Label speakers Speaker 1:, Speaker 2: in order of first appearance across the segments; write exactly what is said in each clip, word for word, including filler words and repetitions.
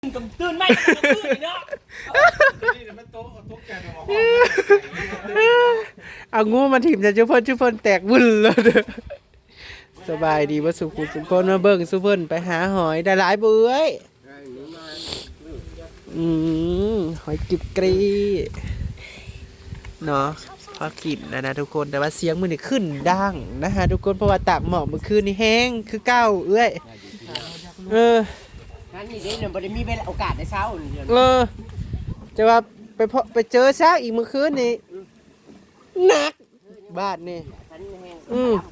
Speaker 1: ตื่นตื่นไม่ตื่นเนาะ
Speaker 2: เอางูมาถิ่มจะชุบเพิ่นชุบเพิ่นแตกวุ่นเลยเด้อสบายดีว่าสุขุสุขคนมาเบิ่งสุเพิ่นไปหาหอยได้หลายเบื้อยอืมหอยกิบกรีเนาะพอกินแล้วนะทุกคนแต่ว่าเสียงมือนี่ขึ้นดังนะฮะทุกคนเพราะว่าตากหมอกเมื่อคืนนี่แห้งคือเก้าเอ้ยเออ
Speaker 1: นั่นนี่เด้เนี่ยบ่ได้มีเวลาโอกาสได้เช้าเนี่ย
Speaker 2: เออจะว่าไปพบไปเจอซากอีกเมื่อคืนนี่หนักบ้านนี่อืม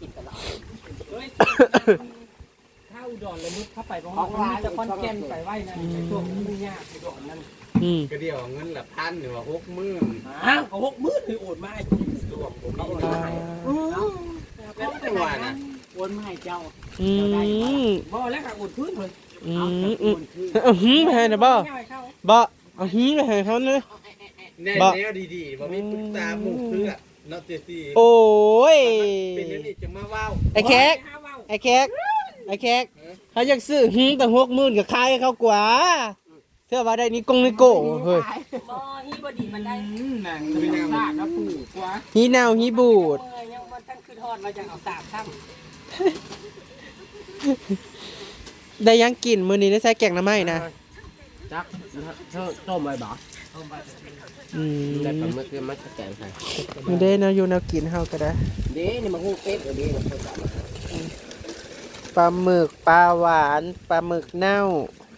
Speaker 1: เข้าอุดรเลยมุดเข้าไปเพราะว่าจะคอนแกนไปไหวนะช่วงนี้ยากอุดรนั่น
Speaker 2: อืม
Speaker 3: ก็เดียวเงินละพันหรือว่าหกหมื่น
Speaker 1: อ้าวก็หกหมื่นเลยโอนมาให้
Speaker 3: รวมผมเอา
Speaker 2: อ่า
Speaker 3: แล้วแต่ว่านะ
Speaker 1: โอนมาให้เจ้า
Speaker 2: อืม
Speaker 1: บ่แล้วก็โอนพื้นเลย
Speaker 2: อืมอืมเอาหิ้งไปให้นะบ่บ่เอาหิ้งไปให้เขาเนอะ
Speaker 3: แน่แนวดีๆว่ามีปรึกษาหมู่เพื่อนเนาะเจซี่
Speaker 2: โอ้ย
Speaker 3: เป็นอย่างนี้จะมาว้าว
Speaker 2: ไอ้แขกไอ้แขกไอ้แขกเขาอยากซื้อหิ้งแต่หกหมื่นกับใครเขากว่าเชื่อว่าได้นี่กงนี่โก้เฮ้ย
Speaker 1: บ่ฮีบ่ดีมันได้
Speaker 3: หนังมีนาง
Speaker 1: สากแล้วปูกว่า
Speaker 2: ฮีนาวฮีบูด
Speaker 1: ยังมันตั้งคือทอดมาจากเอาสากซ้ำ
Speaker 2: ได้ยังกินมื้อนี้ได้ใส่แกงน้ำไหม้นะ
Speaker 1: จักต้มไว้บ่
Speaker 2: อืม
Speaker 1: แต่ปลาหมึกมันจะแกงใส่
Speaker 2: มันได้แนวอยู่แนวกินเฮาก็ได้
Speaker 1: เด้นี่มันฮู้เป็ดเด้มันจะมา
Speaker 2: ปลาหมึกปลาหวานปลาหมึกเน่า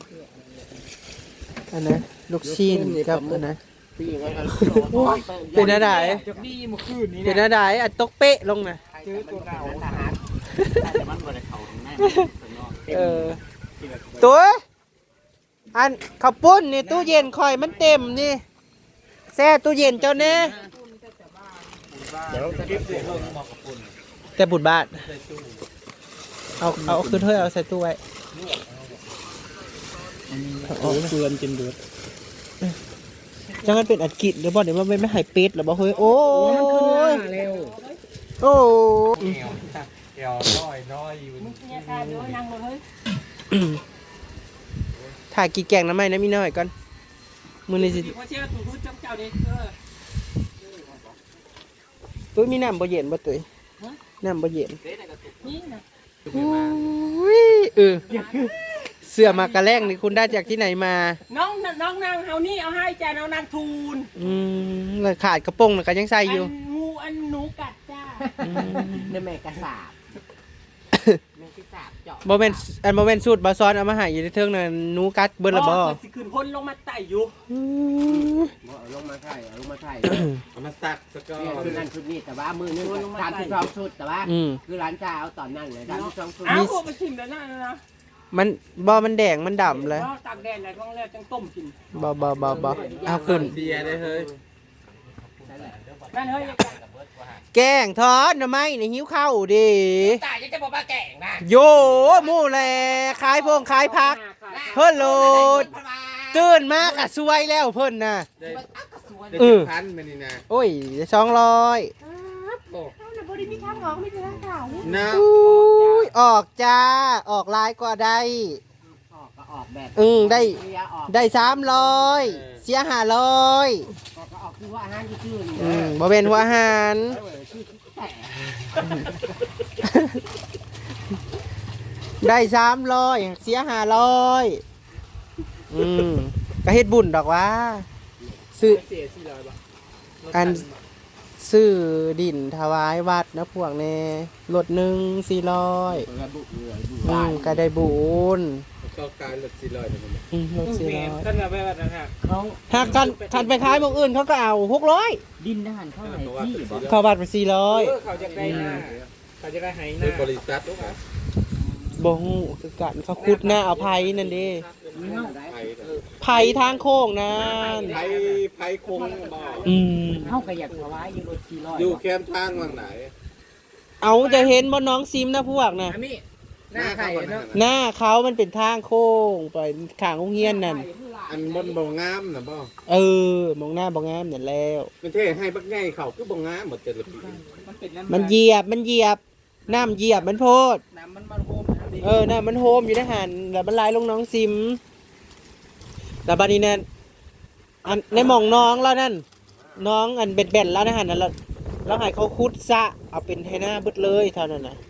Speaker 2: อันนะลูกชิ้นกับอันนะ
Speaker 1: ปีไว้กัน
Speaker 2: เป็นอะไร
Speaker 1: จากนี่เมื่อคืนนี้
Speaker 2: เป็นอะไรอันตกเป๊ะลงนะ
Speaker 1: เจอตัวเก่าทหารแต่มันบ่ได้เข้าข้างใน
Speaker 2: เออตัวอันข้าวปุ้นนี่ตู้เย็นคอยมันเต็มนี่แช่ตู้เย็นเจ้าแน่
Speaker 3: เดี๋ยวเก็บเสื้อเพิ่มมากับคุณ
Speaker 2: แต่บุญบาทเอาเอาขึ้นถ้วยเอาใส่ตู้ไว้
Speaker 3: โอ้เฟือนจนเดือด
Speaker 2: จังมันเป็นอัดกิจหรือบ่เดี๋ยวมันไม่หายเป็ดหรือบ่เฮ้ยโอ้ย
Speaker 1: เร็ว
Speaker 2: โอ้
Speaker 3: แก้วแก้วน้อยน้อยอยู่
Speaker 1: เนี่ยค่ะเดี๋ยวนั่งเลย
Speaker 2: ถ่ายกี่แกงน้ำไหมนะมีน้อยก่อนมือนี่สิ
Speaker 1: พอเชื่อถูกพูดจ้ำเจ้าดิเออ
Speaker 2: ตุ้ยมีน้ำบ่เย็นบ่ตุ้ยน้ำบ่เย็น
Speaker 1: นี่นะ
Speaker 2: อุ้ยเออเสื้อมากระแรงนี่คุณได้จากที่ไหนมา
Speaker 1: น้องน้องนางเฮานี่เอาให้จ้าน้องนางทูน
Speaker 2: อืมแล้วขาดกระโปรงน่ะก็ยังใส่อยู่
Speaker 1: อันงูอันหนูกัดจ้า
Speaker 2: อืม
Speaker 1: เนแม่กระสาบแม่กระสาบเจาะ
Speaker 2: บ่แม่นอันบ่แม่นสูตรบ่ซ้อนเอามาให้อยู่ในเทิงน่ะหนูกัดเบิดละบ่
Speaker 1: สิขึ้นพ้นลงมาไต่อยู่
Speaker 2: อืม
Speaker 4: เอาลงมาไถ่เอาลงมาไถ่
Speaker 3: เอามาสักสกอ
Speaker 4: เนี่ย
Speaker 3: ร์
Speaker 4: คือนั่นชุดนี้แต่ว่ามือนึงทำชุดสองชุดแต่ว่า
Speaker 2: อืม
Speaker 4: คือร้านจ้าเอาตอนนั้นเลยทำชุดสองชุด
Speaker 1: อ้าวพวกมันชิมแล้วนะนะ
Speaker 2: มันบ่มันแดงมันดำเลย
Speaker 1: ตากแดดไหนต้องแล้วจังต้มกิน
Speaker 2: บ่บ่บ่บ่เอาขึ้น
Speaker 3: เบียร์ได้เฮ้ย
Speaker 1: นั่นเฮ้ย
Speaker 2: แกงทอดหน่อไม้นี่หิวข้าวดิ
Speaker 1: ตายยังจะบอกว่าแก่งนะ
Speaker 2: โยหมู่แลขายพงขายผัก เพิ่นโหลดตื่นมากอะสวยแล้วเพิ่นน่ะ
Speaker 3: ได้ได้
Speaker 2: เอ
Speaker 3: เจ็
Speaker 2: อ
Speaker 3: ดพันมานี่นะ
Speaker 2: โอ้ยสองร้อย
Speaker 3: โอ้
Speaker 1: บริมีทางออกไม่ใช่ทางเก่า
Speaker 3: น้า
Speaker 2: อุ้ยออกจ้า ออกลายกว่าได้
Speaker 4: ออกก็ออกแบบ
Speaker 2: อืมได้
Speaker 4: เสียออก
Speaker 2: ได้สามร้อยเสียห้าร้อย
Speaker 4: ออกก็ออกคือว่าอาหารที่ชื่อนี่
Speaker 2: อืมบ่เป็นหัวอาหาร
Speaker 4: เออชื่อแต่
Speaker 2: ได้สามร้อยเสียห้าร้อยอืมก็เฮ็ดบุญดอกว่าซื้อ
Speaker 3: เสียสี่ร้อยบาท
Speaker 2: อันซื้อดินถวายวัดนะพวกแน่รถหนึ่งสี่ร้อย
Speaker 4: เปิดบุกเรือดู
Speaker 2: อืมก็ได้บุญ
Speaker 3: ก็กลายหลดสี่ร้อยเลยมัน
Speaker 2: อืมรถสี่ร้อย
Speaker 1: กันแบบนั้นฮะ
Speaker 4: เขา
Speaker 2: หากกันคันไปขายหมองอื่นเขาก็เอาหกร้อย
Speaker 4: ดินทหารเข้าไหนที่บอก
Speaker 2: เข้าบัตรไปสี่ร้อย
Speaker 1: เขาจะได้หน้าเขาจะได้หายห
Speaker 3: เป็
Speaker 1: น้าน
Speaker 3: บริษัทลูกค้า
Speaker 2: บ่ฮู้คือกันเขาขุดหน้าเอาไผนั่นเด้
Speaker 3: ไผ่
Speaker 2: ไผทางโค้งนั่น
Speaker 3: ไผ่ไผ่คงบ่อ
Speaker 2: อืม
Speaker 4: เข้าก็อยากถวายอยู่รถสี่ร้อย
Speaker 3: อยู่แคมป์ทางวังไหน
Speaker 2: เอาจะเห็นบ่น้องซิมนะพวกน่ะ
Speaker 1: อามี่หน้าไข่เนาะ
Speaker 2: หน้าเขามันเป็นทางโค้งไปข้างโรงเรียนนั่น
Speaker 3: อันบนบ่งามนะบ่
Speaker 2: เออมองหน้าบ่งามนั่นแล้ว
Speaker 3: มันเท่ให้บักใหญ่เขาคือบ่งามหมดแต่ละปี
Speaker 1: มันเป็นน้ำ
Speaker 2: มันเหยียบมันเหยียบน้ำเหยียบมันโพด
Speaker 1: น้ำมันมันโฮม
Speaker 2: เออน้ำมันโฮมอยู่ในหันแล้วมันไหลลงน้องซิมแต่บัดนี้เนี่ยอันในหม่องน้องแล้วนั่นน้องอันเบ็ดเบ็ดแล้วนะฮะนั่นแล้วแล้วให้เขาคุดซะเอาเป็นให้หน้าเบิดเลยเท่านั้นน่ะ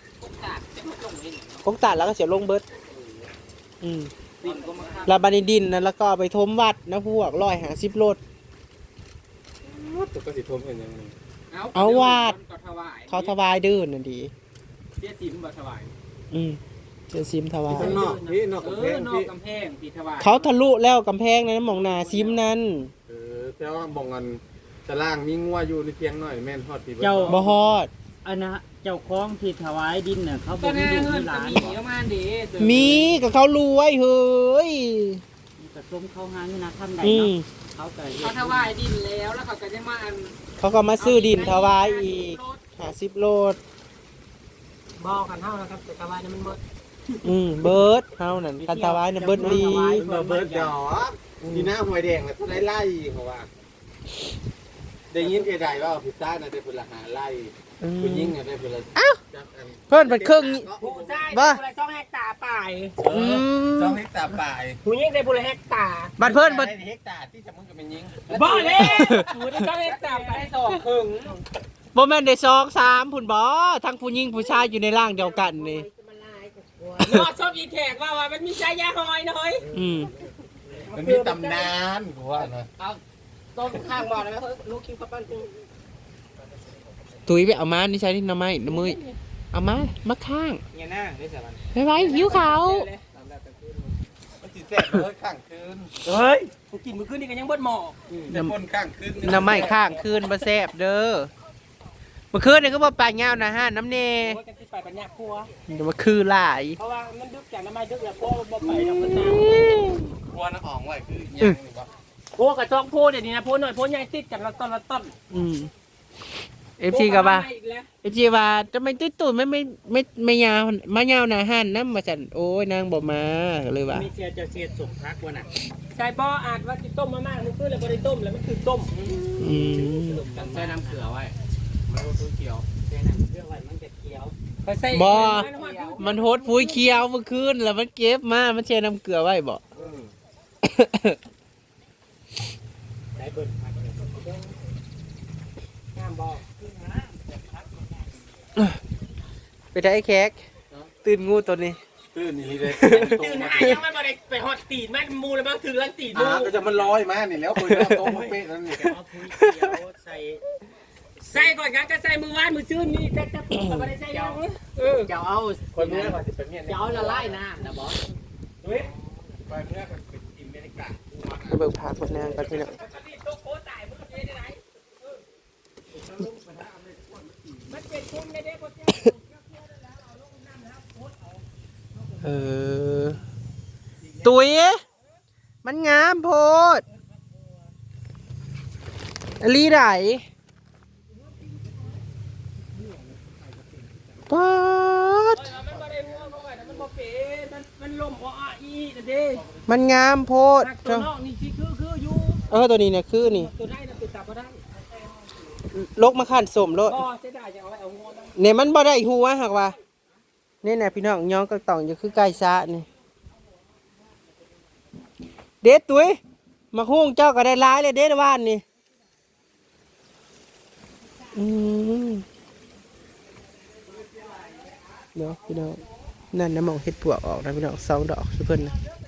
Speaker 2: กงตัดแล้วก็เสียลงเบิดอืมแล้วบัดนี้ดินนั้นแล้วก็เอาไปทมวัดนะพวกร้อยหาสิบโลด
Speaker 3: ตัวก็สิทมเห็นยังไง
Speaker 2: เอาวาด
Speaker 1: เขาถวาย
Speaker 2: เขาถวายดื้อนั่นดี
Speaker 1: เสียสิมบ่ถวาย
Speaker 2: อืมเจอซิมถวาย
Speaker 3: ข้างนอกพี่นอก
Speaker 1: เอก
Speaker 3: ำแพ
Speaker 1: อง นอก
Speaker 3: พี่
Speaker 1: กำแพงพี่ถวาย
Speaker 2: เขาทะลุแล้วกำแพงนั้นหมองหนาซิมนั้น
Speaker 3: เออแต่ว่าบ่งกันตารางมีงัวอยู่ในเพียงหน่อยแม่นฮอดพี่
Speaker 4: เจ้า
Speaker 2: บ่ฮอด
Speaker 4: อันนะเจ้าของที่ถวายดินน่ะเขา
Speaker 1: ก็
Speaker 4: บ่มี
Speaker 1: แน่
Speaker 4: ลูก
Speaker 1: เงิ
Speaker 4: มี
Speaker 1: น
Speaker 4: ห
Speaker 1: ก็
Speaker 4: ลาน
Speaker 1: มี
Speaker 4: บ่
Speaker 1: ประมาณดี
Speaker 2: มีกับเขารวยเฮ้ย
Speaker 4: กระสมเข้าหาเงินนะทำได้
Speaker 2: อืม
Speaker 4: เนาะเขาก็
Speaker 1: เขาถวายดินแล้วแล้วเขาก็จะมาอัน
Speaker 2: เขาก็มาซื้อดินถวายอีกหาสิบโลด
Speaker 1: บอกกันเท่านะครับแต่ถวายนี่มันหมด
Speaker 2: อืมเบิร์ดเฮานั่นคันถวายน่ะเบิร์ดลี
Speaker 3: เบอร์เบิร์ดดอกดีหน้าหวยแดงแล้วไล่ไล่เขาว่าได้ยินเอไดว่าพิซซ่าน่ะได้พุ่นละหาไล่ผู้หญิงน่ะได้พุ่นละจักอัน
Speaker 2: เพิ่นเป็นครึ่ง
Speaker 1: ผู้ชาย
Speaker 2: บ้า
Speaker 1: ผู้ละสองเฮกตาร์ป่าย
Speaker 3: เออสองเฮกตาร์ป่าย
Speaker 1: ผู้หญิงได้ผู้ละเฮกตาร์
Speaker 2: บัดเพิ่นบัด
Speaker 3: เฮกตาร์ที่จะมึงก็เป็นยิง
Speaker 1: บ่เลยผู้ได้สองเฮกตาร์ไปได้สองครึ่ง
Speaker 2: บ่แม่นได้สองสามพุ่นบ่ทั้งผู้หญิงผู้ชายอยู่ในร่างเดียวกันนี่
Speaker 1: นอชอบอีแขกว่าว่ามันมีชายาหอยน้อย
Speaker 2: อืม
Speaker 3: มันมีตำนานกูว่านะ
Speaker 1: เอาต้มข้างบ่อเลยไหมลูกคิวข้าวปั้นกู
Speaker 2: ตุ้ยไปเอามานี่ใช้ที่น้ำไม้น้ำมือเอามามาข้าง
Speaker 1: เนี่ยหน้าได้สามัน
Speaker 2: ไปไว้หิวเขาว
Speaker 3: มันสิแซ่บเลยข้างคืน
Speaker 1: เฮ้ยกูกินมื้อคืนนี่ก็ยังเบิดหม้อ
Speaker 3: แต่พ่นข้างคืน
Speaker 2: น้ำไม้ข้างคืนบ่แซ่บเด้อเมื่อคืนนี่ก็บ่ปลาเงานะฮะน้ำเน
Speaker 1: โอ้ยกันสิไปปัญญาครัว
Speaker 2: เดี๋ยวมาคือหลาย
Speaker 1: เพราะว่ามันดึกจากน้ำไม้ดึกแล้วพวกบ่ไปดอกมันน้
Speaker 3: กลัวน้ำอ่องไว้คือยังนี่บ่
Speaker 1: ำพวกกระจอกโพดเดี๋ยวนี้นะโพดหน่อยโพดใหญ่ติดกันละต้นละต้น
Speaker 2: อืมเอฟซีก็ว่า
Speaker 1: โพดอีกแล้ว
Speaker 2: เอฟซีว่าทำไมตุ้ยตุ้ยไม่ไม่ไม่ไม่ยาวมายาวหนาหันน้ำมาสั่นโอ้ยนางบ่มาเลยว่า
Speaker 4: มีเสียจะเสียสุกพักวะน่ะ
Speaker 1: ใช่บ่อาจว่าสิต้มมามากมันคือเลยบ่ได้ต้มแล้วมันคือต้ม
Speaker 2: อืม
Speaker 1: กันใส่น้ำเกลือไว้
Speaker 3: มันรู้ตัวเกี่ยว
Speaker 4: เสียน้ำเพื่อไว้มันจะเคี้ยว
Speaker 1: ไปใส่
Speaker 2: บ่
Speaker 1: มันหอดอยู่
Speaker 2: มันโหดฟุ้ยเคี้ยวเมื่อคืนแล้วมันเก็บมามันแช่น้ำเกลือไว้บ่
Speaker 4: ได้เบิ่งพักเลย
Speaker 1: น้ำบ่
Speaker 2: ไปได้ไอ้แขกตื่นงูตัวนี้
Speaker 3: ตื้นนี่เลย
Speaker 1: ตื่นหายังไม่บ่ได้ไปหอดตีนมันมูแล้วบางถึงลังตีนมู
Speaker 3: อ่าก็จะมันลอยมานี่แล้วคุยแล้วโต๊ะเป๊ะนั่นนี่
Speaker 4: เอาพุ้ยเคี้ยวใส่
Speaker 1: ใส่ก่อนกันก็ใส่มือวานมือซื่นนี่แต่แต่ก็บ่ได้ใส่ยังเออ
Speaker 4: เจ้าเอา
Speaker 3: คนเมื่อก่อนจะเป็นเนี่ย
Speaker 4: เจ้าละลายน้ำนะบอส
Speaker 1: เฮ้ย
Speaker 3: ไปเมื่อก่อนเป็นอิมเมริกา
Speaker 2: ไปเบิกพาคนนางกันพี่น้อง
Speaker 1: ปกติโตโคตายมันเป็นได้ไหนเออมันเป็นคุ้มได้เด้บ่เจ้า
Speaker 2: เออตุ้ยมันงามโพดอลีไหนป๊าด
Speaker 1: มันบ่ได้หัวบ่ว่ามันบ่เป็นมันมันล่มอ้ออีนั่นเด้
Speaker 2: มันงามโพด
Speaker 1: ตัวนอกนี่สิคือคืออยู่
Speaker 2: เออตัวนี้เนี่ยคือนี่
Speaker 1: ตัวได้น่ะติดตาบ่ได้
Speaker 2: ลกมาขันสมโลด
Speaker 1: ก็เสียดายจะเอาไว้เอางอนะ
Speaker 2: เนี่ยมันบ่ได้หัวหักว่าเนี่ยนะพี่น้องย้องก็ต้องอยู่คือไก่ซะนี่เด็ดตุ้ยมาหุ้งเจ้าก็ได้ร้ายเลยเด็ดว่านนี่อืมเนาะพี่น้องนั่นนะหมองเห็ดปวกออกนะพี่น้องสองดอกสุเพิ่นนะ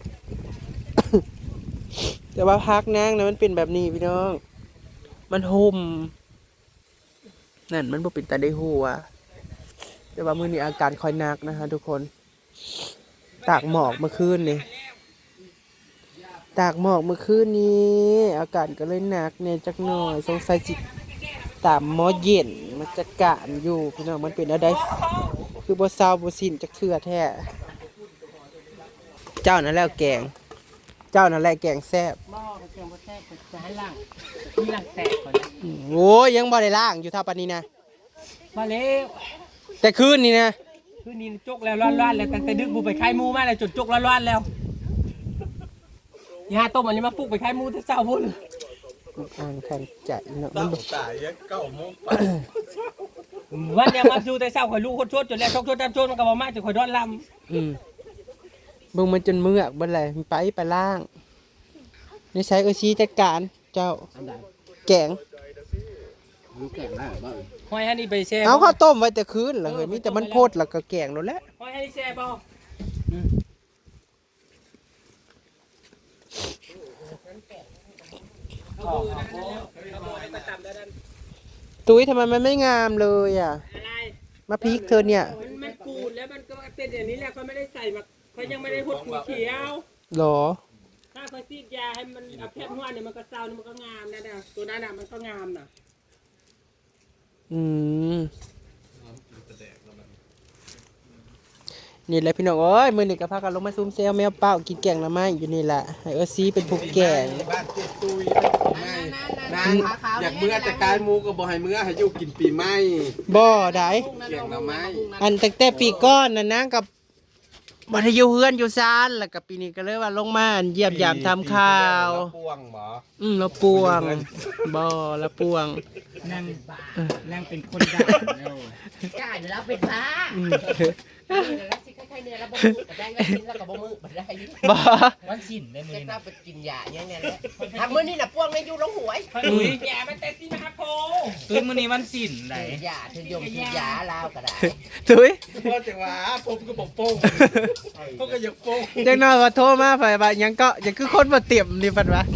Speaker 2: แต่ว่าพักนางนะมันเป็นแบบนี้พี่น้อง มันห่มนั่นมันบ่เป็นตาได้หัวแต่ว่ามื้อนี้อาการค่อยหนักนะฮะทุกคนตากหมอกเมื่อคืนนี่ตากหมอกเมื่อคืนนี้อาการก็เลยหนักเนี่ยจักหน่อยสงสัยจิตามหมอเย็นมันจัดการอยู่พี่น้องมันเป็นอะไรคือบ่เศร้าบ่สิ้นจักเทื่อแท้เจ้านั่นแหละแกง เจ้านั่นแหละแกงแซ่บ
Speaker 1: บ่เสียงบ่แท้จะให้ล่างมีล่างแตกก่อนนะ
Speaker 2: อืมโอ้ยยังบ่ได้ล้างอยู่ท่าปานนี้นะ
Speaker 1: มาแล้ว
Speaker 2: แต่คืนนี้นะ
Speaker 1: คืนนี้จกแล้วร้อนๆแล้วตั้งแต่ดึกบูไปคายหมูมาแล้วจนจกร้อนๆแล้วยาต้มอันนี้มาปลุกไปคายหมูแต่เช้าพุ่น
Speaker 2: อ่างขันใจเนาะมั
Speaker 3: ตั้
Speaker 2: น
Speaker 3: ง
Speaker 2: บ่
Speaker 3: ตายยังเก้าโมงไป
Speaker 1: วันเนี้ยมาดูแต่เช้าข่อยลูกคนชดจนแล้วชกชดตามชดมันก็บ่มาจนข่อยดอนล
Speaker 2: อืมเบิ่งมันจนเมือกเบ่แหละไปไปล้าง
Speaker 1: ำ
Speaker 2: นี่ใช้เออซีจัดการเจ้าแกง
Speaker 3: รู้แก่งได้บ่
Speaker 1: หอยฮันนี่ไปแช่
Speaker 2: เอาข้าวต้มไว้แต่คืนเหรอเฮ้ยมีแต่มันโพดแล้วก็แกงนั่นแหละ
Speaker 1: หอยฮันนี่แช่บ่เอามือนะเอามือให้มาตำแล้วนั่น
Speaker 2: ตุ้ยทำไมมันไม่งามเลยอ่ะ
Speaker 1: อะไร
Speaker 2: มาพริกเธอเนี่ย
Speaker 1: มันมันกูดแล้วมันก็เป็นอย่างนี้แหละเขาไม่ได้ใส่มาเขายังไม่ได้พูดกูเขียว
Speaker 2: หรอ
Speaker 1: ถ้าเขาซีดยาให้มันเอาแคบหัวเนี่ยมันก็เศร้าเนี่ยมันก็งามนะเนี่ยตัวนั้นน่ะมันก็งามน่ะ
Speaker 2: อืมนี่แหละพี่น้องเอ้ยมือหนึ่งกับพากันลงมาซุ่มเซลแมวเป้ากินแกงละไม้อยู่นี่แหละให้เออซีเป็นผู้แกง
Speaker 3: บ้านเจ็ดตุยง่ายนางอยากเมื่อแต่กายหมูก็บ่ให้เมื่อให้อยู่กินปีใหม่
Speaker 2: บ่ได้
Speaker 3: เกี่ยงหน่อไม้
Speaker 2: อันตั้งแต่ปีก้อนน่ะนะกับบัดอยู่เฮือนอยู่ซานแล้วกับปีนี้ก็เลยว่าลงมาอันเยี่ยมยามทำข่าว
Speaker 3: พ่วงบ่
Speaker 2: อืมเราปวงบ่ละปวง
Speaker 4: นั่งนั่งเป็นคนด่าแล้ว
Speaker 5: จ่ายแล้วเป็นพระ
Speaker 2: อืม
Speaker 5: แล้วสิใครๆเนี่ยแล้วบ่มือบ่ได้แล้วกินแล้วก็บ่มือบ่ได้
Speaker 2: บ่
Speaker 4: วันสิ้นได้มื้อ
Speaker 5: เจ็บ
Speaker 4: นี้
Speaker 5: เราไปกินยาอย่างเงี้ยแหละทำมื้อนี้น่ะพวกในอยู่ลงหวย
Speaker 1: อุ้ยแย่มันแต่ซีนะครับโพ
Speaker 4: ตื่นมื้อนี้วันสิ้นได้
Speaker 5: ยาถือยมถือยาลาวก็ได้
Speaker 2: ถุย
Speaker 3: พ่อจังหวะผมก็บอกโป้งเขาก็อยากโป้ง
Speaker 2: จังน้อยว่าโทรมาไปว่าหยังก็ยังคือคนบ่เตรียมนี่เพิ่นว่า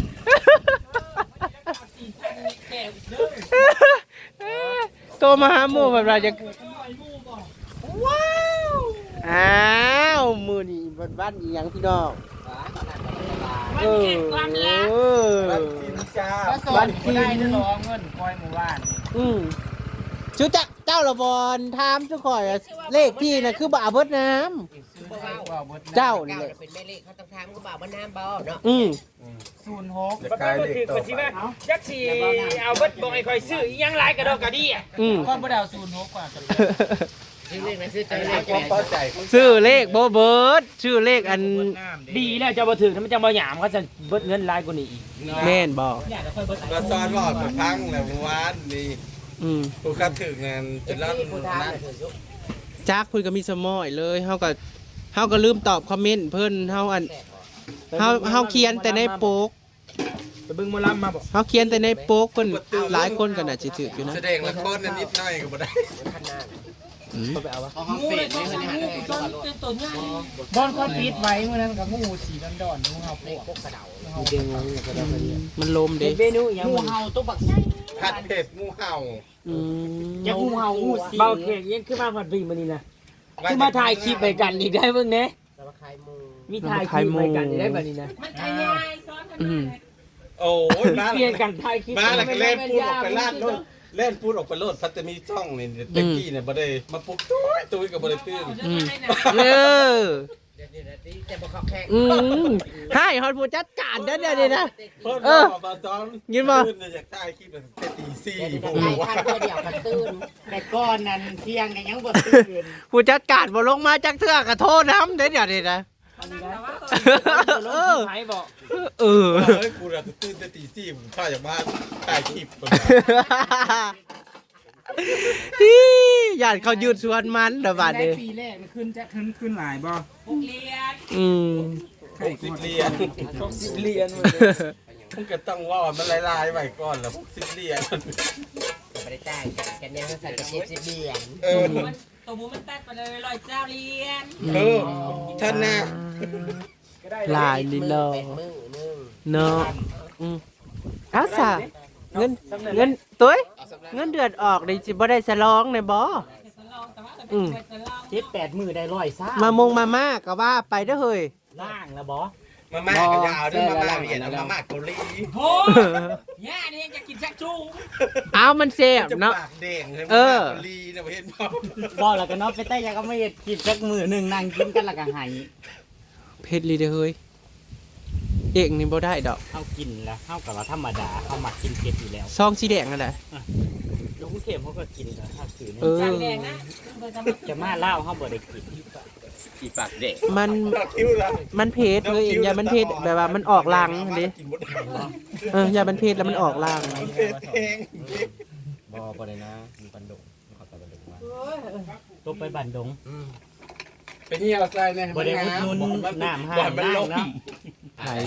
Speaker 1: แก่เด้อ
Speaker 2: โทรมาหาหมู่เพิ่นว่ายังว้าวอ้าวมื้อนี้วันวันอีหยังพี่น้อง
Speaker 1: มันเก็บความลับ
Speaker 2: เออ
Speaker 3: บ้านกินจ้า
Speaker 2: วันที่
Speaker 4: ได้เด้อรอเงินคอยหมู่บ้าน
Speaker 2: อืมจุจักเจ้าละบอนถามจุข่อยอะเลขที่น่ะคือบ่าเบิดน้ำ
Speaker 5: บ่เว้า
Speaker 4: ว่าเบิด
Speaker 2: เจ้า
Speaker 5: เก้า
Speaker 2: นี่แหละ
Speaker 5: น่ะเป็นแม่เลขเขาต้องถามก็บ่าวว่าน้ำบ่เนาะ
Speaker 2: อืม
Speaker 4: ศูนย์หก
Speaker 3: จะ
Speaker 1: มัน
Speaker 3: กลาย
Speaker 1: ก็
Speaker 3: เด็ก
Speaker 1: ถือ
Speaker 3: ต่อ
Speaker 1: กันสิ
Speaker 3: ไป
Speaker 1: ว่าจักสิเอาเบิดบอกให้คอยซื้ออีหยังหลายกระดอกกระดี่อ่ะ
Speaker 2: อืม
Speaker 4: ก่อนบ่ได้เอาศูนย์หกกว่าจะ
Speaker 5: ซื้อเลขนะซื้อ
Speaker 3: ไอ้
Speaker 5: เลข
Speaker 3: ความเข้าใจ
Speaker 2: ชื่อเลขบ่เบิดชื่อเลขอัน
Speaker 1: ดีแล้วจะบ่ถึงถ้ามันจะบ่หยามเขาจะเบิดเงินหลายกว่านี้อีก
Speaker 2: แม่นบ่
Speaker 1: เนี่ยจะค่อยเบิด
Speaker 3: มาซ้อนบอกไปพังแล้วเมื่อวานนี่
Speaker 2: อืม
Speaker 3: ผู้คัดถึงงานจะรับ
Speaker 5: ที่ผู้ทาง
Speaker 3: นั่น
Speaker 5: น่ะถือยุ
Speaker 2: จักเพิ่นก็มีสมอยเลยเฮาก็เฮาก็ลืมตอบคอมเมนต์เพิ่นเฮาอันเฮาเฮาเขียนแต่ในโป๊ก
Speaker 1: ไปเบิ่งหมอลำมาบ่
Speaker 2: เฮาเขียนแต่ในโป๊กเพิ่นหลายคนก็น่าสิถืออยู่นะ
Speaker 3: แสดงละครนั่นนิดหน่อยก็บ่ได้
Speaker 5: ขนาด
Speaker 2: อืม
Speaker 5: เอาห้องเป็ดนี่คือนี่ฮะ
Speaker 1: ต้นเป็นต้นใหญ่
Speaker 4: บอนเขาปิดไว้มื้อนั้นกับงูสีดอนๆงูเห่าพวก
Speaker 5: พวกกระเดา
Speaker 2: มันลมเด้
Speaker 1: เมนูอีหยัง
Speaker 4: งู
Speaker 1: มัน
Speaker 4: เห่าตัวบัก
Speaker 3: ผัดเผ็ดงูเห่า
Speaker 2: อืม
Speaker 4: อย่างูเห่างูสี
Speaker 1: เบาเค้กยังขึ้นมาผัดบีมื้อนี้นะคือมาถ่ายคลิปไปกันอีกได้เบิ่งแหน่
Speaker 5: สารคายมู
Speaker 1: มีถ่ายคลิปไปกันอีกได้บัดนี้นะ
Speaker 5: มันขยายซ้อนกัน
Speaker 2: อืม
Speaker 3: โอ้ยมา
Speaker 1: เปลี่ยนกันถ่ายคลิป
Speaker 3: มาแล้วก็เล่นพูดออกไปลาดโลดเล่นพูดออกไปโลดพัตมีช่องนี่เด็กกี้เนี่ยบ่ได้มาปลุกตุ้ยตุ้ยก็บ่ได้ตื่น
Speaker 2: อืมเออ
Speaker 5: เดี๋ยวนี้นะที่จะบ่เข้าแข่ง
Speaker 2: อืมให้ฮอดผู้จัดการเด้อเดี๋ยวนี้นะ
Speaker 3: เพิ่น
Speaker 2: เออ
Speaker 3: บอกมาซ้อน
Speaker 2: ยินบ่
Speaker 3: ตื่นเนี่ยอยากถ่ายคลิปแบบตีสี่
Speaker 5: เดี๋ยว
Speaker 3: โอ้
Speaker 5: นี้
Speaker 3: โห
Speaker 5: ได้คันเพื่อเดียวกันตื่น
Speaker 4: แต่ก้อนนั้นเที่ยงกันยังบ่ตื่น
Speaker 2: ผู้จัดการบ่ลงมาจักเทื่อก็โทษน้ำเด้อเดี๋ยวนี้นะ
Speaker 1: เออไผบอก
Speaker 2: เออ
Speaker 3: เฮ้ยกูน่ะตื่นแต่ตีสี่ผมข้าจากบ้านถ่ายคลิปเพิ่น
Speaker 2: ฮิญาติเขายืดสวนมันเด้อบาด
Speaker 4: ได้
Speaker 2: นี้
Speaker 4: ปีแรกมันขึ้นจะขึ้นขึ้นหลายบ่
Speaker 1: พวกเรียน
Speaker 2: อืม
Speaker 3: หกสิบเหรียญ
Speaker 1: พวกสิบเรียนหมดเลย
Speaker 3: ผมก็ต้องว่ามันลายๆไว้ก่อนแล้วพวกสิบเหรียญ
Speaker 5: ไม่ได้จ่ายกันเนี่ยใส่กระเจี๊ยบสิบเบียน
Speaker 3: เออ
Speaker 1: มันตัวหมูมันตัดไปเลยร้อยเจ้าเรียน
Speaker 3: เออท่านน่ะ
Speaker 1: ก็ได้
Speaker 2: ลายนี่เนาะ
Speaker 5: เป็นมือนึง
Speaker 2: เนาะอืมเอาซะเงินเงินตุ้ยเงินเดือนออกได้สิบ่ได้ฉลองแน่บ่ อืม
Speaker 4: เจ็ดแปดมือได้ร้อยซ่าม
Speaker 2: ามงมาม่าก็ว่าไปเด้อเฮ้ย
Speaker 4: ล่างแล้วบ่
Speaker 3: มาม่าก็ยาวด้วยมาม่าเวียดเอามาม่าเกาหลี
Speaker 1: โอ้ย่านี่จะกินชักชู
Speaker 2: เอามันแซ่บ
Speaker 3: จะ
Speaker 2: เนาะ
Speaker 3: ปากแดงเลย
Speaker 2: เออ
Speaker 3: มาม่าเกาหลีนะเห็นบ่
Speaker 4: บ่แล้วก็เนาะไปใต้ยาก็ไม่เฮ็ดกินสักมื้อหนึงนั่งกินกันแล้วก็ให้
Speaker 2: เผ็ดลีเด้อเฮ้ยเอกนี่บ่ได้ดอก
Speaker 4: เฮากินแล้วเฮาก็ว่าธรรมดาเฮามักกินเผ็ดอยู่แล้ว
Speaker 2: ซองสีแดงนั่นแหละ
Speaker 4: ลูกเข็มเขาก็กินแล้วถ้าถือ
Speaker 2: เออ
Speaker 1: จานแดงนะ
Speaker 4: จะมาเล่าเฮาบ่ได้กิน
Speaker 3: อีปากเด็ก
Speaker 2: มัน
Speaker 3: ปากคิ้วละ
Speaker 2: มันเผ็ดเลยเองอย่ามันเผ็ดแบบว่ามันออกลังดิ
Speaker 3: กินหมด
Speaker 2: เอออย่ามันเผ็ดแล้วมันออกลัง
Speaker 3: มันเป็นเพลง
Speaker 5: บ่บ่ได้นะมีปันดุเขาตะบันดุมา
Speaker 4: ตกไปบันดง
Speaker 3: เป็นเหี่ยวใส่เนี่ย
Speaker 4: บ่ได้อุดหนุนน้ำห้าง
Speaker 3: บ่ให้มันลง
Speaker 4: เนาะ
Speaker 2: ไผ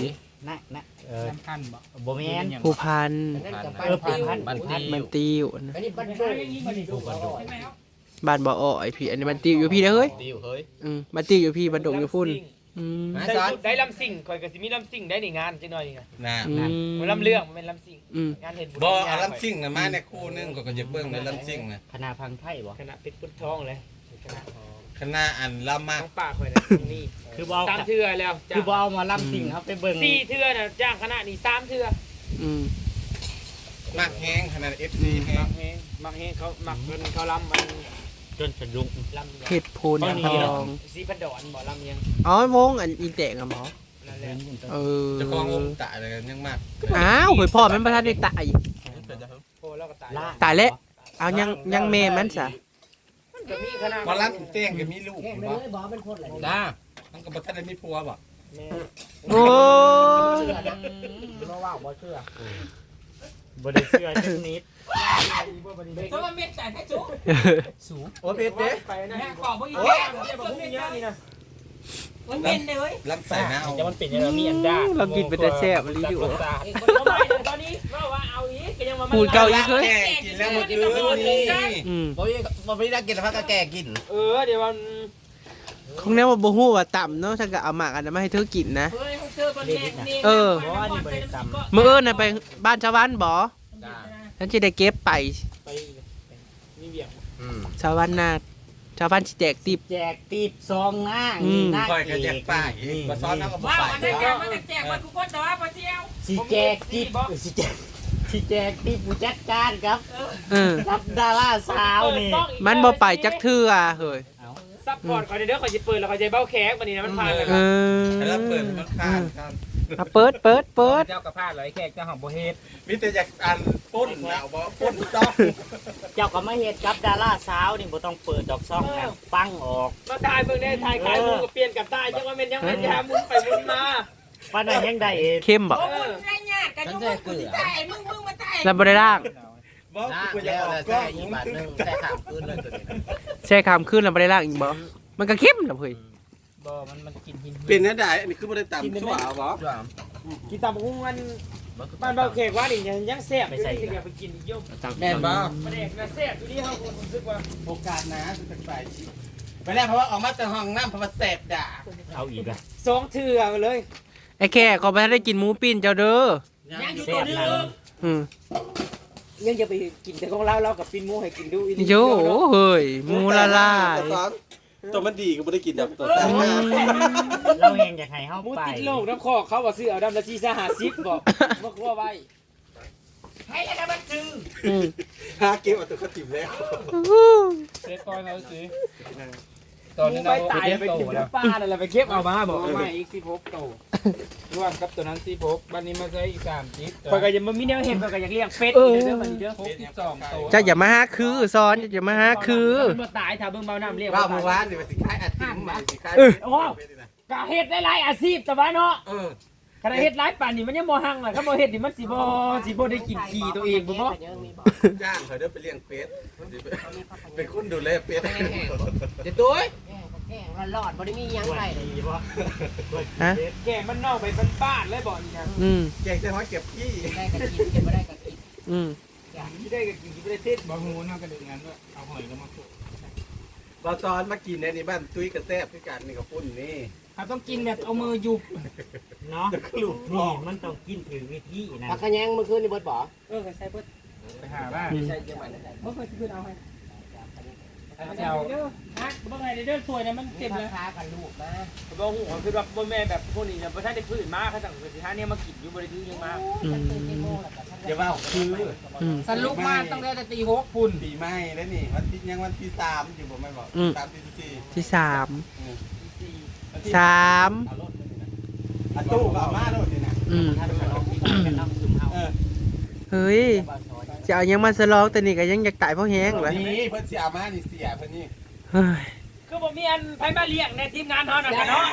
Speaker 4: นะนะเออ
Speaker 1: น้ำพันบ่
Speaker 4: บ่แม่น
Speaker 2: ผู้พัน
Speaker 4: เออผ่านผ่าน
Speaker 3: บ้านติว
Speaker 2: มันติวนะ
Speaker 5: อันนี้บ้าน
Speaker 1: มัน
Speaker 5: โด
Speaker 1: ได้อย่างนี้มันดูก่อนใช่ไหมครับ
Speaker 2: บ้านบ่อ้อยพี่อันนี้มันติวอยู่พี่เด้อเฮ้ย
Speaker 3: ติวเฮ้ย
Speaker 2: อืมมันติวอยู่พี่บันดงอยู่พุ่นอืม
Speaker 3: มา
Speaker 1: ได้
Speaker 3: สอน
Speaker 1: ได้ลำสิ่งคอยก็สิมีลำสิ่งได้ในงานจังหน่อยนี่นะ
Speaker 3: น่ะ
Speaker 2: อืม
Speaker 1: มันลำเรื่องมันเป็นลำสิ่ง
Speaker 2: อืม
Speaker 1: งานเห็นบุญ
Speaker 3: บ่เอาลำซิ่งน่ะมาในคู่นึงก็ก็จะเบิ่งในลำซิ่งน่ะ
Speaker 4: คณะพังไทยบ่
Speaker 1: คณะเป็นพุทธทองเลยคณะ
Speaker 3: คณะอันลำมาก
Speaker 1: น้องป่าคอยนะนี่
Speaker 4: คือบ่เอา
Speaker 1: สามเทื่อแล้ว
Speaker 4: คือบ่เอาหมาลำสิ่งครับไปเบิ่ง
Speaker 1: สี่เทื่อนะจ้างคณะนี่สามเทื่อ
Speaker 2: อืม
Speaker 3: มากแห้งขนาด เอฟ ซี แห้
Speaker 1: มั
Speaker 3: ง
Speaker 1: กเฮงมักเฮงเขามักเงินเขาลำมัน
Speaker 4: จนสะดุ้ง
Speaker 1: ลำ
Speaker 2: เฮ็ดพูนทอง
Speaker 1: สีพันดอนบ่ลำยัง
Speaker 2: อ๋อวงอันอีแตกอะหมอ
Speaker 1: นั่นแหละ
Speaker 2: เออ
Speaker 3: เจะคลององตายเลยยังมาก
Speaker 2: อ้าวเฮ้ยพ่อมันบ่ทันได้ตาย
Speaker 1: โอ้แล้วก็ตาย
Speaker 4: ล่า
Speaker 2: ตายแล้วเอายังยังแม่มันซะ
Speaker 1: มันก็มีคณะ
Speaker 3: มาลับเต้งก็มีลูก
Speaker 5: แข่งไป
Speaker 3: บ่
Speaker 5: เลยบอกเป็นคนอะไร
Speaker 3: จ้ามันก็บ่ทันได้มีผัวบ่
Speaker 1: แม่
Speaker 2: โอ้ย
Speaker 1: บ่ว่าบ่เชื่อ
Speaker 4: บ่ได้เชื่อจักนิด
Speaker 1: เพราะว่าเม็ดจ่ายแค่สูงสูง
Speaker 3: โอ้เพชรเด้
Speaker 1: ไปนะขอบบ่อีกแล้วเดี๋ยวบ่มีเยอะนี่นะมันเป็นเลย
Speaker 3: ลำใส่หน้าเอา
Speaker 1: จะมันเป็นยังไงมีอันดา
Speaker 2: เรากินเป็นแต่แซ่บรีวิว
Speaker 1: เองคนละไม้ตอนนี้ว่าเอาอีกก็ยังมา
Speaker 2: พูดเก่าอีกเฮ้ย
Speaker 3: แก่กินแล้วเมื่อคืนนี่
Speaker 2: อืม
Speaker 3: บ่มีบ่มีได้กินแล้วพักก็แก่กิน
Speaker 1: เออเดี๋ยวมัน
Speaker 2: คงแน่ว่าบ่ฮู้ว่าต่ำเนาะฉันก็เอาหมากอันนั้นมาให้เธอกินนะ
Speaker 1: เฮ้ยเขาเจอคนแรกนี่
Speaker 2: เออ
Speaker 4: บ่ว่านี่บ่ได้ตำ
Speaker 2: มื้อเอิ้นน่ะไปบ้านชาวบ้านบ่
Speaker 3: จ้า
Speaker 2: ฉันสิได้เก็บไป
Speaker 1: ไปมีเบี่ยง
Speaker 3: อืม
Speaker 2: ชาวบ้านนาชาวบ้านสิแจกติบ
Speaker 4: แจกตีบซองหน้า
Speaker 2: อืม
Speaker 4: หน้า
Speaker 3: ค่อยก็แจกป้ายอีกบ่ซ้อนเอาก็บ่
Speaker 1: ว้าว
Speaker 3: ใส่
Speaker 1: อันนั้นแจกมันแจกมันกูก็ต่อปะเชียว
Speaker 4: สิแจกตีบสิแจกสิแจกตีบผู้จัดการครับ
Speaker 2: เออ
Speaker 4: รับดาราสาวนี่
Speaker 2: มันบ่ไปจักเทื่อเฮ้ย
Speaker 1: ซัพพอร์ตคอยเด้อคอยจะเปิดแล้วคอยจะเบ้าแขกวันนี้นะมันผ่านแล้ว
Speaker 2: เออ
Speaker 3: แล้วเปิดมันผ่านครับ
Speaker 2: เอาเปิดเปิดเปิด
Speaker 1: เจ้ากระพาดเลยแขกเจ้าของโบเฮด
Speaker 3: มีแต่อยากอันปุ้นเอาบ่ปุ้นต้อง
Speaker 4: เจ้าก็มาเฮ็ดกับดาราสาวนี่บ่ต้องเปิดดอกซ่องนะปังออก
Speaker 1: มาถ่ายเบิ่งได้ถ่ายขายมูก็เปลี่ยนกับตายจังว่าเป็นยังเป็นยามุนไปมุนมา
Speaker 4: ปานนั้นยังได้เอง
Speaker 2: เข้มบ่
Speaker 1: เออได้ยากกันยุ่งกูสิตายมึงมึงมาตาย
Speaker 2: แล้วบ่ได้ล่าง
Speaker 3: บ่กูจะออกกล้องอีกบาทนึงแต่ถามคืนเลยตัวนี้
Speaker 2: แช่คามขึ้นแล้วบ่ได้ล่างอีกบ่มันก็เข้มล่ะเฮ้ย
Speaker 1: บ่มันมันกินหิน
Speaker 3: เป็นแน่ได้อันนี้คือบ่ได้ตำชั่วเอาบ่
Speaker 1: กินตามกุ้งมันบ้านเบ้าแขกว่านี่ยังแซ่บอยู่สิอยากไปกินอีกยุ่ง
Speaker 3: แม่นบ่
Speaker 1: มันเอกนะแซ่บอยู่ที่เฮาคนรู้สึกว่า
Speaker 3: โอกาสนะจะเป็นฝ่ายชิไปแล้วเพราะว่าออกมาจากห้องน้ำเพราะว่าแสบด่า
Speaker 4: เอาอีกอ่ะ
Speaker 1: สองเถื่อเลย
Speaker 2: ไอ้แค่ก็บ่ทันได้กินหมูปิ้นเจ้าเด้อ
Speaker 1: ยังอยู่
Speaker 4: แซ่
Speaker 1: ตัว
Speaker 4: บ
Speaker 1: นึง
Speaker 4: นั่น
Speaker 2: อืม
Speaker 1: ยังจะไปกินแต่ของเราเรากับปินหมูให้กินดูอี
Speaker 2: โยเฮ้ยหมูละลาย
Speaker 3: ตัวมันดีก็ไม่ได้กินแบบตัว
Speaker 2: อืม
Speaker 4: เราเองอยากให้เฮา
Speaker 1: หมู
Speaker 4: ไป
Speaker 1: ติดโลกน้ำคอเขาว่าซื้อเอาดำละซีซ่าหาซิปบอกมาคั่วไว้ให้แล้วมันซื้อ
Speaker 2: อืม
Speaker 3: หาเก็บเอาตัวเขาถิ่มแล้ว
Speaker 1: เซ็ตตอนเราซื้อตอนนี้เราตายไปกินป้าอะไรไปเก็บเอามาบอกเอามาอีกสิบหกโตรวมกับตัวนั้นสิบหกบ้านนี้มาใช้อีกสามจิ๊บคอยก็ยังไม่มีแนวเห็นคอยก็อยากเลี้ยงเป็ดอีกเด้อมันเด้อหกสิบสองโต
Speaker 2: เจ้าอย่ามาหาคือซ้อนอย่ามาหาคือ
Speaker 1: มาตายถ้าเบิ่งเบาน้ำเรียก
Speaker 3: ว่าเมื่อวานนี่มันสิคล้ายอาทิตย์มาสิคล้าย
Speaker 1: กะเฮ็ดหลายๆอาชีพแต่ว่าเนาะ
Speaker 3: เออ
Speaker 1: คันเฮ็ดหลายป่านนี่มันยังบ่หังล่ะคันบ่เฮ็ดนี่มันสิบ่สิบ่ได้กินขี้ตัวเองบ่บ่
Speaker 3: จ้างเขาเด้อไปเลี้ยงเป็ดเป็นคนดูแลเป็ด
Speaker 1: เดี๋ยวตัว
Speaker 5: แข่งมันหลอดบ่ได้มียังไง
Speaker 4: ดีบ่
Speaker 2: ฮะ
Speaker 1: แกมันนอกไปบ้านๆเลยบ่นี่นะ
Speaker 2: อืม
Speaker 3: แกงจะห้อยเก็บขี้
Speaker 5: ได้ก็กินกินบ่ได้ก็กิน
Speaker 2: อืม
Speaker 1: ที่ได้ก็กินที่บ่ได้เทศบ่ฮู้นำกระดึงงั้นด้วยเอาหอยลงมาโขก
Speaker 3: บอซ้อนมากินในนี่บ้านตุ้ยกระแซบด้วยกันนี่กับปุ้นนี่
Speaker 1: ครับต้องกินแบบเอามือยุบ
Speaker 4: เนาะลูกนี่มันต้องกินถึงวิธีนะ
Speaker 5: ผักขะแยงเมื่อคืนนี่เบิดบ่
Speaker 1: เออใส่เบิดไปหาว่าใส่จังหวัดบ่เคยสิเพิ่นเอาให้เอาเด้อฮะบ่ไงเด้อถ้วยนั้นมันเต็มเลย
Speaker 5: ค้ากันลูกมา
Speaker 1: บ่ฮู้คือว่าบ่แม่แบบพวกนี้เนี่ยบ่ทันได้พื้นมาเขาสั่งสิหาเนี่ยมากินอยู่บ่ได้ถือยังมา
Speaker 2: อืม
Speaker 3: อย่าว่าคือ
Speaker 2: อืม
Speaker 1: สรุปมาตั้งแต่ตีหกพุ่น
Speaker 3: ปีใหม่แล้วนี่วันที่ยังวันที่สามอยู่บ่ไม่บอกสามที่สี่
Speaker 2: ที่สาม
Speaker 1: สี่
Speaker 2: สาม
Speaker 3: เอารถเลยนะอ่ะตู้ก็เอามาโลดนี่นะ
Speaker 2: อืม
Speaker 4: ท่านก็ลองกินกันเนาะซุมเฮา
Speaker 3: เออ
Speaker 2: เฮ้ยจะเอายังมาสลองแต่นี่ก็ยังอยากตายเพราะแห้งเลย
Speaker 3: นี่เพิ่นสิเอามานี่เสียเพิ่นนี่
Speaker 2: เฮ้ย
Speaker 1: คือบ่มีอันไผมาเลี้ยงในทีมงานเฮานั่นน่ะเนาะ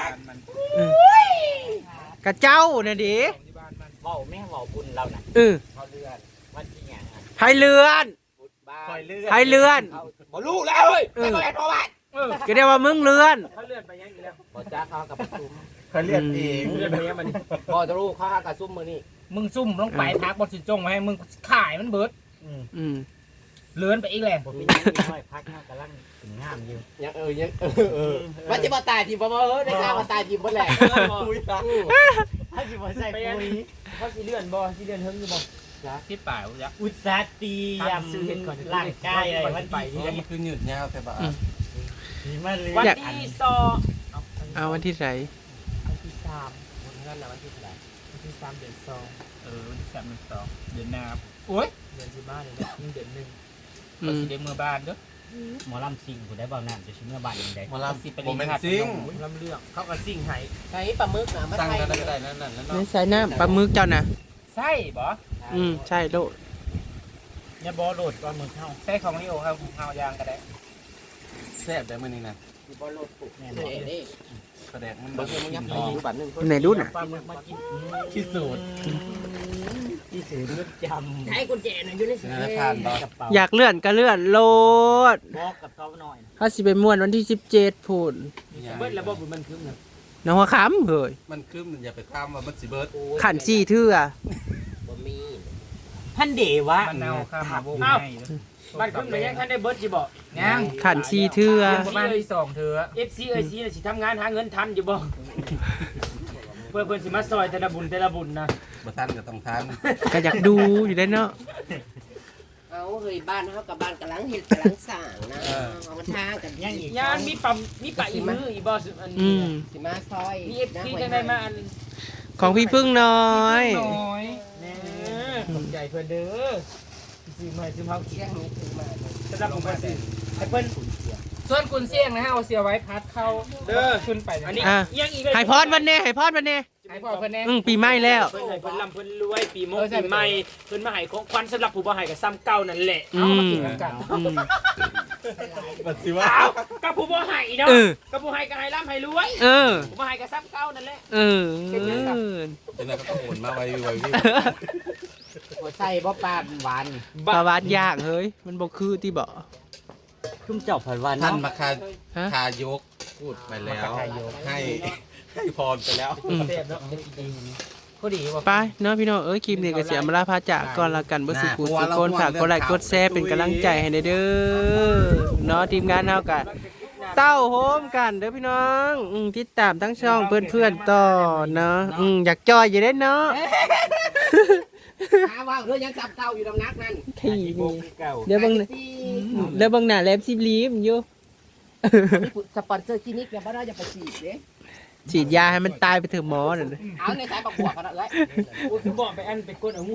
Speaker 2: กระเจ้าน่ะดิ
Speaker 4: เว้าแม่เว้าบุญเราน่ะ
Speaker 2: เออ
Speaker 4: เขาเลือนวันที่หยังอ่ะ
Speaker 2: ไทยเลือน
Speaker 4: บุญบ้า
Speaker 3: คอย
Speaker 4: น
Speaker 3: เลื่อน
Speaker 2: ไทยเลือน
Speaker 3: บ่รู้แล้วเฮ้ย
Speaker 2: เออ
Speaker 1: เออ
Speaker 2: ก็เรียกว่ามึงเลือน
Speaker 1: เขาเลื่อนไปยังอยู่แล้ว
Speaker 4: บ่จ้าเขากับประชุม
Speaker 3: เขาเรียกเอง
Speaker 1: เรื่องนี้มัน
Speaker 5: พอจะรู้ข้ากับซุ่มมือนี่
Speaker 1: มึงซุ่มลงไปทักบอสิจงไว้ให้มึงขายมันเบิด
Speaker 2: อืม
Speaker 1: เลื่อนไปอีกแหละ
Speaker 4: ผมมีน้อยพักเฮากำลังถึงงามอยู่
Speaker 5: ยังเออยังเออเออมันจะมาตายทีบ่เออได้ข่าวมาตายทีบ่แหละ
Speaker 3: คุยละ
Speaker 4: ถ้าสิบ่ใส่ปุ๋ย
Speaker 1: เขาสิเลื่อนบ่สิเลื่อนเฮิงอยู่บ่ที่ป่าวจ้ะ
Speaker 4: อุตสาหเตรียมร่างกายอะไรวันที่
Speaker 3: มันคือหยุดยาวแต่บ่า
Speaker 4: สีมาเลย
Speaker 1: วัน
Speaker 2: อยาก
Speaker 1: ที่สอง
Speaker 2: เอาวันที่ไหน
Speaker 1: วันที่สามวันนั้นแหละวันที่เท่าไหร่วันที่สามเดือนสองเออวันที่สามเดือนสองเดือนหน้าโอ้ยเดือนสิบห้าเลยนะเดือนหนึ่ง
Speaker 2: อื
Speaker 1: ก็
Speaker 2: ม
Speaker 1: สิได้เมื่อบ้านเด้อ
Speaker 4: หมอลำซิงกูได้เบาน้ำจะชิ้นเมื่อบ่ายยังไง
Speaker 3: มาลา
Speaker 1: สิไป
Speaker 3: โม
Speaker 1: รี
Speaker 3: เมน
Speaker 1: หัด
Speaker 3: ต์ซิง
Speaker 1: ลำเรื่องเขาก็ซิ่งให้
Speaker 5: ใช้ปลาหมึกนะมา
Speaker 3: ตั้ง
Speaker 5: ไทย
Speaker 3: กันได้ก็ได้นั่นนั่นนั่น
Speaker 2: ไม่
Speaker 3: เนาะ
Speaker 2: ใช่น้ำปลาหมึกเจ้านะ
Speaker 1: ใช่บ่
Speaker 2: อืมใช่โลด
Speaker 4: เนี่ยบอโดดว่ามือเข้า
Speaker 1: ใช่ของลิโอครับเฮายางก็ได้
Speaker 3: แซ่บได้มื้อนี้นะ
Speaker 5: บ่โลดปุก
Speaker 4: แน่
Speaker 5: เด้เด้
Speaker 3: แสดงมัน
Speaker 5: บ่เชื่อมึงยับไปอยู่บัดนึง
Speaker 2: ไหนดูน่ะ
Speaker 4: ปลาหมึกมากิน
Speaker 3: ที่สุด
Speaker 4: ที่สื่อนึกจำ
Speaker 5: ให้กุญแจน่ะอยู่ใน
Speaker 3: ธนาคารบ่
Speaker 4: กระเป๋า
Speaker 2: อยากเลื่อนก็เลื่อนโลด
Speaker 4: บอกกับเขาหน่อย
Speaker 2: ถ้าสิไปม่วนวันที่สิบเจ็ดพูน
Speaker 1: เบิดระบบมันคือมัน
Speaker 2: น้องหัวค้ำเฮ้ย
Speaker 3: มันคือมันอย่าไปข้ามว่ามันสิเบิด
Speaker 2: ขันซี่เทื่อ
Speaker 5: บ่มี
Speaker 4: ท่านเดวะ
Speaker 1: มันเอาข้ามมาโบให้มันขึ้นมายังท่านได้เบิดสิบ่ยัง
Speaker 2: ขันซี่เทื่อ
Speaker 1: ประมาณที่สองเธอ เอฟซีเอซีสิทำงานหาเงินทันอยู่บ่เพื่อเพื่อนสิมาซอยแต่ละบุญแต่ละบุญนะ
Speaker 3: บ่ทันก็ต้องทัน
Speaker 2: ก็อยากดูอยู่ได้เนาะ
Speaker 5: เอาเฮ้ยบ้านเฮากับบ้านกำลังเฮ็ดกำลังสร้างนะเอามาทางกัน
Speaker 4: ยังอีก
Speaker 1: ยานมีปั๊มมีปะอีมืออีบ่อัน
Speaker 2: อื
Speaker 1: นี้
Speaker 2: ม
Speaker 5: สิมาซอย
Speaker 1: มีเอฟซีจังได้มาอัน
Speaker 2: ของพี่พึ่งน้อย
Speaker 1: น้อยแน่ขอบใจเพิ่นเด้อซื้อมาซื้อเฮา
Speaker 5: เสียงนี้ถึงมา
Speaker 1: สำหรับผมก็สิให้เพิ่นส่วนกุนเสี่ยงนะฮะเอาเสียไว้พัดเข้าเด้อขึ้นไปอันนี้
Speaker 2: อ่ะ
Speaker 1: ยังอีก
Speaker 2: ให้พอดวันเน่ให้พอดวันเน่
Speaker 1: ให้พ่อเพิ่นแน่
Speaker 2: อืมปีใหม่แล้ว
Speaker 6: เพิ่นให้เพิ่นลำเพิ่นรวยปีมงปีใหม่เพิ่นมาให้ของขวัญสำหรับผู้บ่ให้กับซ้ำเก่านั่นแหละ
Speaker 2: อืมอืม
Speaker 3: มันสิว่า
Speaker 6: อ้าวกับผู้บ่ให้เนาะ
Speaker 2: เออ
Speaker 6: กับผู้ให้ก็ให้ร่ำให้รวย
Speaker 2: เออ
Speaker 6: ผู้บ่ให้กับซ้ำเก่านั่นแหละ
Speaker 2: เออ
Speaker 3: จังได๋ก็ต้องโอนมาไว้ไว้วิ
Speaker 5: หัวใส่บ่ปลาหวาน
Speaker 2: ปลาวานยากเฮ้ย มันบ่คือที่บ่
Speaker 4: ชุ่มเจ้าผัดวัน
Speaker 3: ท่าน
Speaker 4: เนาะ
Speaker 3: มาคา
Speaker 2: ฮะ
Speaker 3: คายกพูดไปแล้วให้ให้พรไปแล้ว
Speaker 2: อืม
Speaker 1: เสียบเนาะพอดีว่า
Speaker 2: ไปเนาะพี่น้องเอ้ยคลิปนี้ก็เสียมาลาพาจากก่อนละกันบ่สิกูสิคนฝากกดไลค์กดแชร์เป็นกำลังใจให้เด้อเนาะทีมงานเฮาก็เต้าโฮมกันเด้อพี่น้องอืมติดตามทั้งช่องเพื่อนๆต่อเนาะอืมอยากจอยอยู่เด้เนาะ
Speaker 5: หาว่าเรื่องยังจับเก่าอยู่ดำนักนั่น
Speaker 2: ขี้นี่เดี๋ยวเบิ่งเดี๋ยวเบิ่งหน้าแลบสิบลีมอยู่
Speaker 5: มีสปอนเซอร์คลินิกเนี่ยบ่ได้จะไปฉีดเด้
Speaker 2: ฉีดยาให้มันตายไปเถอะหมอนั่นน่ะ
Speaker 5: เอาในสายประกวดกันเลย
Speaker 1: กูสิบอกไปอันไปกดเอา